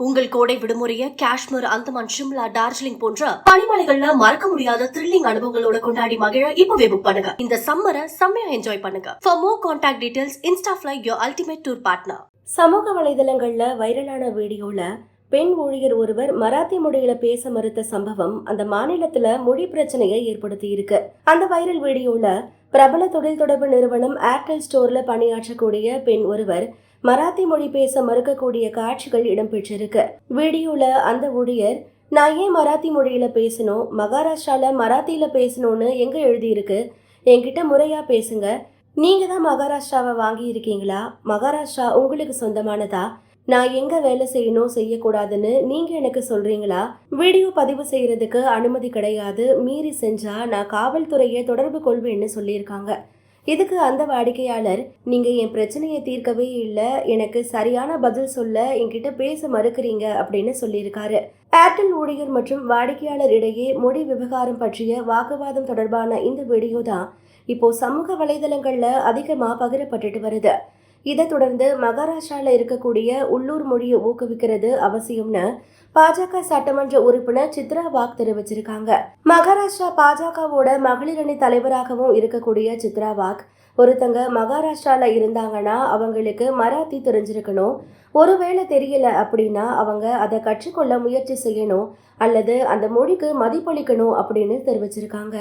உங்கள் கோடை விடுமுறையை காஷ்மீர், அந்தமான், ஷிம்லா, டார்ஜிலிங் போன்ற பனிமலைகள்ல மறக்க முடியாத த்ரில்லிங் அனுபவங்களோட கொண்டாடி மகிழ இப்பவே புக் பண்ணுங்க. இந்த சம்மரை செம்மையா என்ஜாய் பண்ணுங்க. For more contact details, Instafly your ultimate tour partner. சமூக வலைதளங்கள்ல வைரலான வீடியோல பெண் ஊழியர் ஒருவர் மராத்தி மொழியில பேச மறுத்த சம்பவம் அந்த மாநிலத்துல மொழி பிரச்சனையை ஏற்படுத்தி இருக்கு. அந்த வைரல் வீடியோல பிரபல தொழில் தொடர்பு நிறுவனம் ஏர்டெல் ஸ்டோர்ல பணியாற்றக்கூடிய பெண் ஒருவர் மராத்தி மொழி பேச மறுக்கக்கூடிய காட்சிகள் இடம்பெற்றிருக்கு. வீடியோல அந்த ஊழியர், நான் ஏன் மராத்தி மொழியில பேசணும், மகாராஷ்டிரால மராத்தியில பேசணும்னு எங்க எழுதியிருக்கு, என்கிட்ட முறையா பேசுங்க, நீங்க தான் மகாராஷ்டிராவை வாங்கி இருக்கீங்களா, மகாராஷ்டிரா உங்களுக்கு சொந்தமானதா, நான் எங்க வேலை செய்யணும் செய்யக்கூடாதுன்னு நீங்க எனக்கு சொல்றீங்களா, வீடியோ பதிவு செய்யறதுக்கு அனுமதி கிடையாது, மீறி செஞ்சா நான் காவல்துறையை தொடர்பு கொள்வேன்னு சொல்லியிருக்காங்க. இதுக்கு அந்த வாடிக்கையாளர், நீங்க என் பிரச்சனையை தீர்க்கவே இல்லை, எனக்கு சரியான பதில் சொல்ல என்கிட்ட பேச மறுக்கிறீங்க அப்படின்னு சொல்லியிருக்காரு. ஏர்டெல் ஊழியர் மற்றும் வாடிக்கையாளர் இடையே மொழி விவகாரம் பற்றிய வாக்குவாதம் தொடர்பான இந்த வீடியோ தான் இப்போ சமூக வலைதளங்கள்ல அதிகமா பகிரப்பட்டுட்டு வருது. இதை தொடர்ந்து மகாராஷ்டிரால இருக்கக்கூடிய உள்ளூர் மொழியை ஊக்குவிக்கிறது அவசியம்னு பாஜக சட்டமன்ற உறுப்பினர் சித்ரா வாக் தெரிவிச்சிருக்காங்க. மகாராஷ்டிரா பாஜகவோட மகளிர் அணி தலைவராகவும் இருக்கக்கூடிய சித்ரா வாக், ஒருத்தங்க மகாராஷ்டிரால இருந்தாங்கன்னா அவங்களுக்கு மராத்தி தெரிஞ்சிருக்கணும், ஒருவேளை தெரியல அப்படின்னா அவங்க அதை கற்றுக்கொள்ள முயற்சி செய்யணும் அல்லது அந்த மொழிக்கு மதிப்பளிக்கணும் அப்படின்னு தெரிவிச்சிருக்காங்க.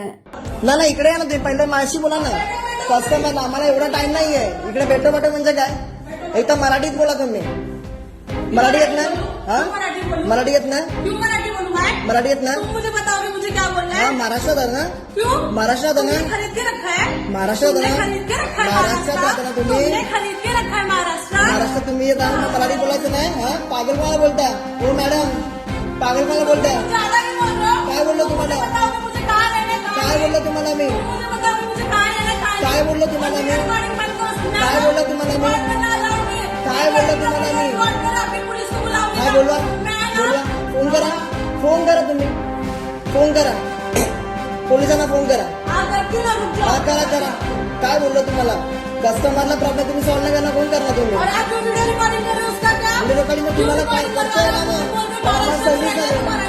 कस्टमर आम्हाला एवढा टाइम नाहीये इकडे भेटो म्हणजे काय, एक तर मराठीत बोला तुम्ही. मराठी येत ना? मराठी येत ना? मराठी येत ना? महाराष्ट्रात आहे ना? महाराष्ट्रात आहे ना? महाराष्ट्रात आहे ना? महाराष्ट्रात राहता ना तुम्ही? महाराष्ट्रात तुम्ही येत ना, मराठी बोलायचं नाही. पागल मला बोलता हो मॅडम, पागल मला बोलता. काय बोललो तुम्हाला, काय बोललो तुम्हाला मी, काय बोललो तुम्हाला मी, काय बोललो तुम्हाला मी, काय बोललो तुम्हाला मी, काय बोलवा बोलवा. फोन करा, फोन करा, तुम्ही फोन करा, पोलिसांना फोन करा. हा करा करा. काय बोललो तुम्हाला, कस्टमरला प्रॉब्लेम तुम्ही सॉल्व नाही करणार, फोन करणार तुम्ही. तुम्हाला काय करता येणार, सर्व्हिस